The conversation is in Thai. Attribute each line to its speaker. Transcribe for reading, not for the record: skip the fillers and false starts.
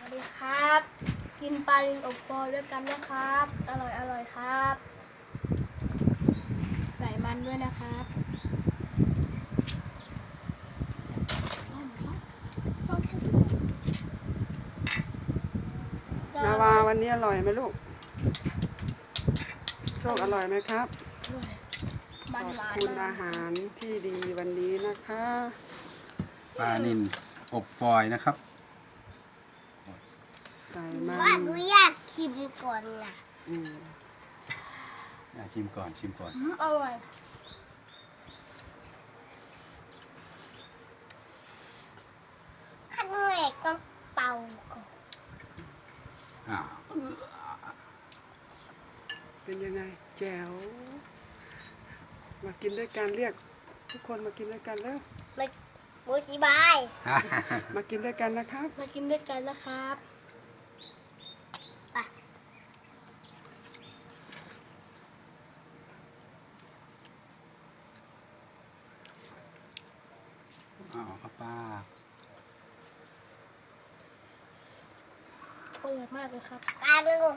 Speaker 1: วัสดีครับกินปลาลิงอบฟอยล์ด้วยกันนะครับอร่อยครับใส่มันด้วยนะครับ
Speaker 2: นาวาวันนี้อร่อยไหมลูกโชคอร่อยไหมครับขอบคุณอาหารที่ดีวันนี้นะคะ
Speaker 3: ปลานิลอบฟอยล์นะครับ
Speaker 2: ใส่มัน
Speaker 4: ว่าหนูอยากชิมก่อนนะ
Speaker 3: ชิมก่อนชิมก่อน
Speaker 1: อร่อย
Speaker 4: ขั้นแรกต้องเป่าก่อน
Speaker 3: อ้าว
Speaker 2: เป็นยังไงแจ๋วมากินด้วยกันเรียกทุกคนมากินด้วยกันแล้ว
Speaker 4: มาบูชิบาย
Speaker 2: มากินด้วยกันนะครับ
Speaker 1: มากินด้วยกันนะครับ
Speaker 3: อ้าวครับป้า
Speaker 1: อร่อยมากเลยครับ
Speaker 4: กลายเป็น